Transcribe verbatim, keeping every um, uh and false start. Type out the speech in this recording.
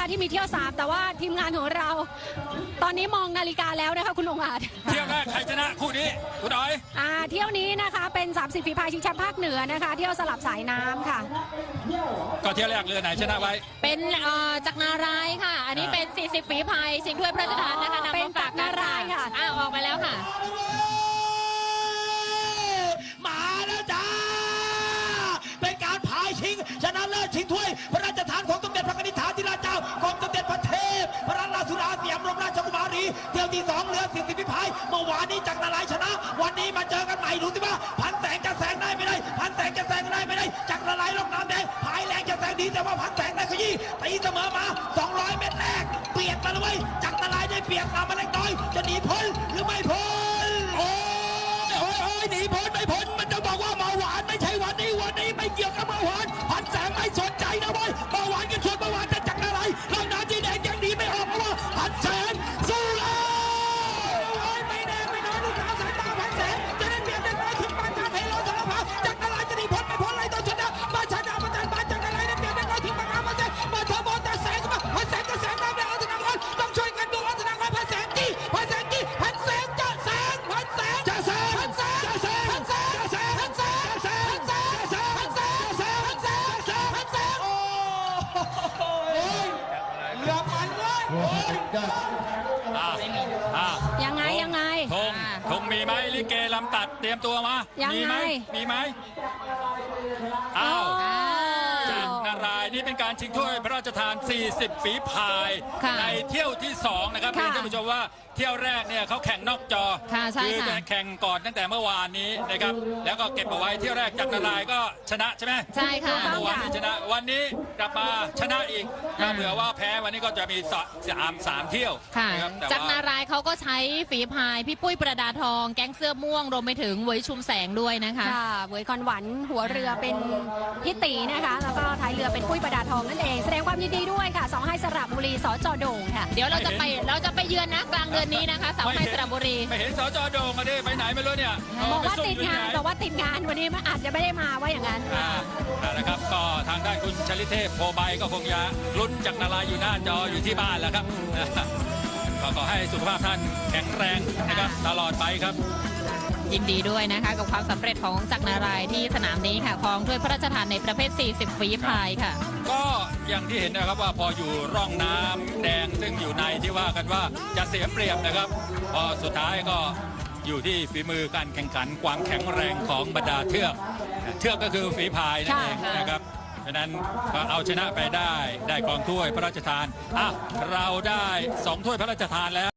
ที่มีเที่ยวสามแต่ว่าทีมงานของเรา ตอนนี้มองนาฬิกาแล้วนะคะคุณองอาจเที่ยวแรกใครชนะคู่นี้คุณอ๋อยอ่าเที่ยวนี้นะคะเป็นสามสิบฝีพายชิงแชมป์ภาคเหนือนะคะเที่ยวสลับสายน้ำค่ะก็เที่ยวแรกเรือไหนชนะไว้เป็นจักรนารายค่ะอันนี้เป็นสี่สิบฝีพายชิงถ้วยพระราชทานนะคะนำมาฝากกันค่ะอ้าวออกไปแล้วค่ะมาแล้วจ้าเป็นการพายชิงชนะเลิศชิงถ้วยพระราชทานของสมเด็จพระนิธิฐาธิราชเจ้ากรมสมเด็จพระเทพพระราชสุดาสยามบรมราชกุมารีเที่ยวที่สองเรือสี่สิบฝีพายเมื่อวานนี้จักรนารายชนะวันนี้มาเจอกันใหม่ดูสิว่าพันแสงจะแซงได้ไม่ได้พันแสงจะแซงได้ไม่ได้จักรนารายลงน้ำแดงพายแรงจะแซงดีแต่ว่าพันแสงได้ขยี้ตีเสมอมาสองร้อยเมตรแรกเปียกมาเลยจักรนารายได้เปียกมามาเล็กน้อยจะหนีพ้นหรือไม่พ้นโอ้ยโอ้ยโอ้ยหนีพ้นไม่พ้นมันจะบอกว่าเมื่อวานไม่ใช่วันนี้วันนี้ไม่เกี่ยวกับเมื่อวานพันแสงไม่สนใจนะเว้ยเมื่อวานกันชนเมื่อวานแต่จักรนารายเราหน้าที่แดงยังหนีไม่ออกเพราะว่าพันแสงสู้แล้วโอ้ยไม่แน่ไม่น้อยลูกสาวสายตาพันแสงจะได้เปรียบได้น้อยถึงปานกลางเทโลสารพัดจักรนารายจะหนีพ้นไม่พ้นเลยต้องชนะมาชนะมาจันบานจักรนารายได้เปรียบได้น้อยถึงปานกลางพันแสงมาเทอร์โบแต่แสงมาพันแสงจะแสงได้เอาชนะก่อนต้องช่วยกันดูเอาชนะก่อนพันแสงจี้พันแสงจี้พันแสงจะแสงพันแสงจะแสงพันแสงจะแสงพันแสงจะแสงพันแสงจะแสงพันแสงจะแสงพันแสงจะแสงพันแสงจะแสงพันแสงโอ้เรือมันเลยอ่าอ่ายังไงยังไงธงธงมีไหมลิเกลำตัดเตรียมตัวมายังไงมีไหมมีไหมอ้าวจักรนารายนี่เป็นการชิงถ้วยพระราชทานสี่สิบฝีพายในเที่ยวที่สองนะครับเพื่อนท่านผู้ชมว่าเที่ยวแรกเนี่ยเขาแข่งนอกจอคือแข่งก่อนตั้งแต่เมื่อวานนี้นะครับแล้วก็เก็บเอาไว้เที่ยวแรกจักรนารายก็ชนะใช่ไหมใช่ค่ะเมื่อวานนี้ชนะวันนี้กลับมาชนะอีกถ้าเผื่อว่าแพ้วันนี้ก็จะมีสามสามเที่ยวค่ะจักรนารายเขาก็ใช้ฝีพายพี่ปุ้ยประดาทองแก๊งเสื้อม่วงรวมไปถึงเวยชุมแสงด้วยนะคะค่ะเวยคอนหวันหัวเรือเป็นพี่ตีนะคะแล้วก็ท้ายเรือเป็นปุ้ยประดาทองนั่นเองแสดงความยินดีด้วยค่ะสองให้สระบุรีสจโด่งค่ะเดี๋ยวเราจะไปเราจะไปเยือนนะกลางเดือนนี้นะคะสองให้สระบุรีไม่เห็นสจโด่งมาดิไปไหนไม่รู้เนี่ยบอกว่าติดงานบอกว่าติดงานวันนี้อาจจะไม่ได้มาว่าอย่างนั้นอ่านะครับก็ทางด้านคุณชลิเทพโพใบก็คงจะลุ้นจักรนารายอยู่หน้าจออยู่ที่บ้านแล้วครับก็ขอให้สุขภาพท่านแข็งแรงนะครับตลอดไปครับยินดีด้วยนะคะกับความสำเร็จของจักรนารายที่สนามนี้ค่ะครองถ้วยพระราชทานในประเภทสี่สิบฝีพายค่ะก็อย่างที่เห็นนะครับว่าพออยู่ร่องน้ำแดงซึ่งอยู่ในที่ว่ากันว่าจะเสียเปรียบนะครับพอสุดท้ายก็อยู่ที่ฝีมือการแข่งขันความแข็งแรงของบรรดาเทือกเทือกก็คือฝีพายนั่นเองนะครับฉะนั้นเอาชนะไปได้ได้กองถ้วยพระราชทานอ่ะเราได้สองถ้วยพระราชทานแล้ว